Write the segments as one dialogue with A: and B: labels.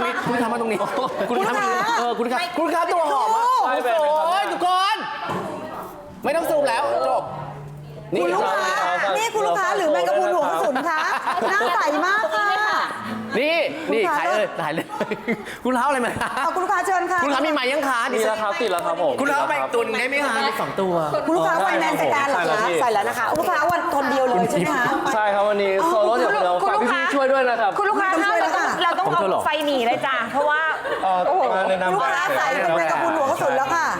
A: นี้คุณทำมาตรงนี้คุณทำคุณค้าตัวหอมอ่ะโอ้ยทุกคนไม่ต้องซูมแล้วจบ
B: คุณลูกค้านี่คุณลูกค้าหรือแมงกะพรุนหัวกระสุนคะหน้าใสมากค่ะ
A: นี่ขายเลยถ่ายเลยคุณค้าอะไรมา
B: คุณลูกค้าเชิญค่ะ
A: คุณค้ามีไหมยังค้า
C: มีแล้วครับติดแล้วครับผม
A: คุณค้าไปตุนได้ไหมคะมี2 ตัว
B: คุณลูกค้าวันแมนใส่การเหรอคะใส่แล้วนะคะลูกค้าวันคนเดียวเลยใช่ไหมคะ
C: ใช่ครับวันนี้โซโล่เดี๋ยวเราฝากพี่ช่วยด้วยนะครับ
D: คุณลูกค้าเราต้องเอาไฟหนีเลยจ้ะเพราะว่า
B: ลูกค้าใส่เป็นแมงกะพรุนหัวกระสุนแล้วค่ะ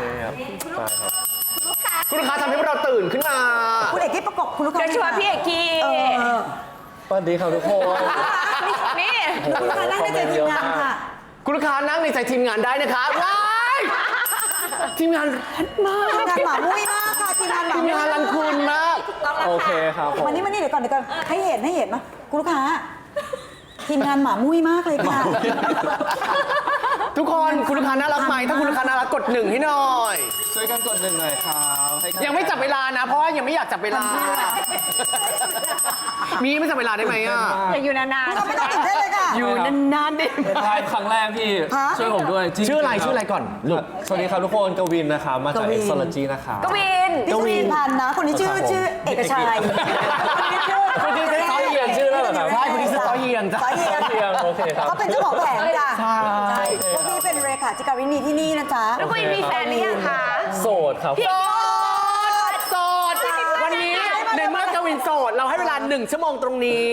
A: คุณลูกค้าทำให้พวกเราตื่นขึ้นมา
B: คุณเอกกี้ประกบคุณลูกค้า
D: เดี๋ยวชวนพี่เอกกี้
C: สวัสดีครับทุกคน
D: นี่
B: คุณลูกค้านั่งในใจทีมงานค่ะ
A: คุณลูกค้านั่งในใจทีมงานได้นะคะว้ายทีมงานมาก
B: ทีมงานหมามุ้ยมากค่ะทีมงาน
A: รันคุณมาก
C: โอเคครับ
B: มานี่เดี๋ยวก่อนให้เห็นมั้ยคุณลูกค้าทีมงานหมามุ้ยมากเลยค่ะ
A: ทุกคนคุณลูกค้าน่ารักไหมถ้าคุณลูกค้าน่ารักกด1ให้หน่อย
C: ช่วยกันกด1หน่อยครับ
A: ยังไม่จับเวลานะเพราะว่ายังไม่อยากจับเวลามีไม่จับเวลาได้ไหมอ่ะ
D: อยู่นาน
B: ๆไม่ต้องตื่นเต้นเลยค่ะ
A: อยู่นานๆดิ
C: ใช่ครั้งแรกพี่ช่วยผมด้วย
A: ชื่ออะไรก่อนลูก
C: สวัสดีครับทุกคนกวินนะครับมาจาก Exology นะครับ
D: กวิน
B: พันนะคนนี้ชื่อเอกชัย
C: คนนี้ซอเฮียนชื่อแล้วเหรอครับ
A: ใช่คนนี้ซอเฮียนจ้ะ
C: โอเคครับ
B: เขาเป็นเจ้าของแผงจ้ะ
A: ใช่
B: พวกนี้เป็นเรขาธิการวินีที่นี่นะจ๊ะ
D: แล้วกวินมีแฟนหรือยังคะ
C: โสดครับ
A: โสดวันนี้ในเมื่อกวินโสดเราให้เวลา1 ชั่วโมงตรงนี้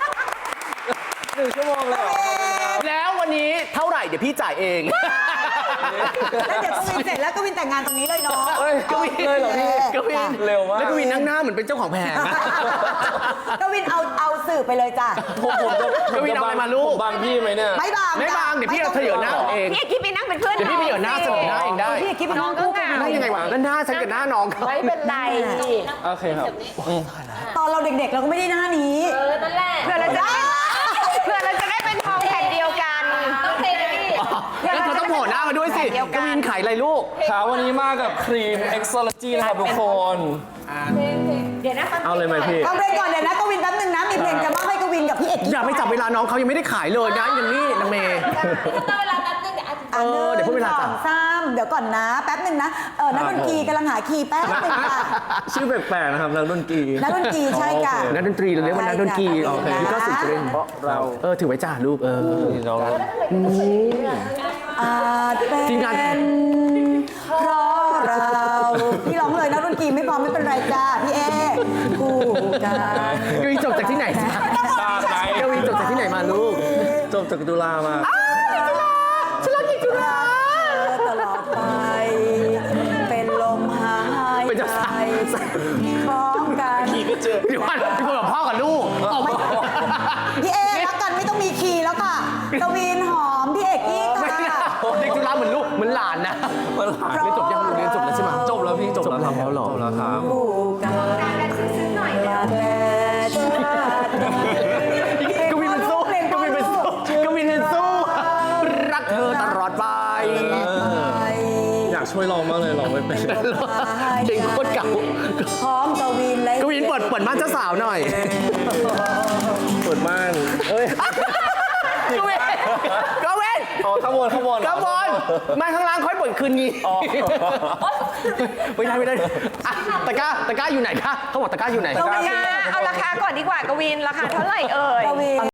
C: 1 ชั่วโมงเลย
A: แล้ววันนี้เท่าไหร่เดี๋ยวพี่จ่ายเอง
B: แล้วเดี๋ยวกวินเสร็จแล้วกวินแต่งงานตรงนี้เลยเนาะ
A: กวินเลยเหรอพี่กวิน
C: เร็วมาก
A: แล้วกวินนั่งหน้าเหมือนเป็นเจ้าของแผง
B: กวินเอาสื่อไปเลยจ้ะ
A: กวินเอาอะไรมาลูก
C: บางพี่ไหมเนี่ย
B: ไม่บาง
A: เดี๋ยวพี่เอาเธอเหยื่อหน้าเอง
D: พี่เอกกี้ไปนั่งเป็นเพื่อน
A: เดี๋ยวพี่ไปเหยื่อหน้าเสนอหน้าเองได้
B: พี่เอกกี้เป็นน้อง
D: ก็งาม
A: ได้ยังไงวะก็หน้าฉันกับหน้าน้อง
D: ไม่เป็นไร
C: โอเคครับ
B: ตอนเราเด็กๆเราก็ไม่ได้หน้านี้
D: นั่นแหละเพื่อเราจะได้เป็นทองแผ่นเดียวกัน
A: แล้วเธอต้องโผล่หน้ามาด้วยสิกวินขายอะไรลูก
C: ครับวันนี้มากับครีม Exology นะครับทุกคน
D: เดี๋ยวนะ
C: เอาเลยไหมพี่
B: ฟังเพลงก่อนเดี๋ยวนะกวินแป๊บนึงนะมีเพลงจะมอบให้กวินกับพี่เอก
A: อย่าไปจับเวลาน้องเขายังไม่ได้ขายเลยนะอย่างนี้นางเมย์
D: เวลาแป๊บนึง
A: เดี๋ยวพูดเวลาจับ
B: เดี๋ยวก่อนนะแป๊บนึงนะนักดนตรีกำลังหาคีย์แป๊บนึงค่ะ
C: ชื่อแปลกๆนะครับนักดนตรี
B: ใช่ค่ะ
A: นักดนตรีเราเรียกว่านักดนตรีนี่ก็สื่อจะเล่นเพราะเราถือไว้จ้าลูก
C: เรา
A: ทีมงาน
B: เพราะเราพี่ร้องเลยนักดนตรีไม่พร้อมไม่เป็นไรจ้าพี่เอคู่กัน
A: กวินจบจากที่ไหนกวินจบจากที่ไหนมาลูก
C: จบจากจุฬามา
A: ฉลาดจุฬา
B: ตลอดไปเป็นลมหายใจพร้อมกัน
A: เดี๋ยวคุณกับพ่อกับลูก
B: พี่เอรักกันไม่ต้องมีคีย์แล้วค่ะกวินหอมพี่เอกกี้ค่ะ
A: เด็กจุฬาเหมือนลูกเหมือนหลานนะเรียนจบยังเรียนจบแล้วใช่ไหม
C: จบแล้วพี่จบแล้วครับจบแล้วครับ
B: คู่กันซึ้งๆหน่อยมาแต่ชาติ
A: กวินเป็นสู้รักเธอตลอดไป
C: อยากช่วยร้องมากเลยร้องไม่เป็น
A: เพลงโคตรเก่า
B: พร้อมกวินเลย
A: กวินเปิดม่านเจ้าสาวหน่อย
C: เปิดม่าน
A: กวิน
C: ข้างบน
A: ม่านข้างล่างค่อยเปิดคืนงี้ไม่ได้ตะกร้าอยู่ไหนคะเขาบอกตะกร้าอยู่ไหน
D: เอาราคาก่อนดีกว่ากวินราคาเท่าไหร่เอ่ย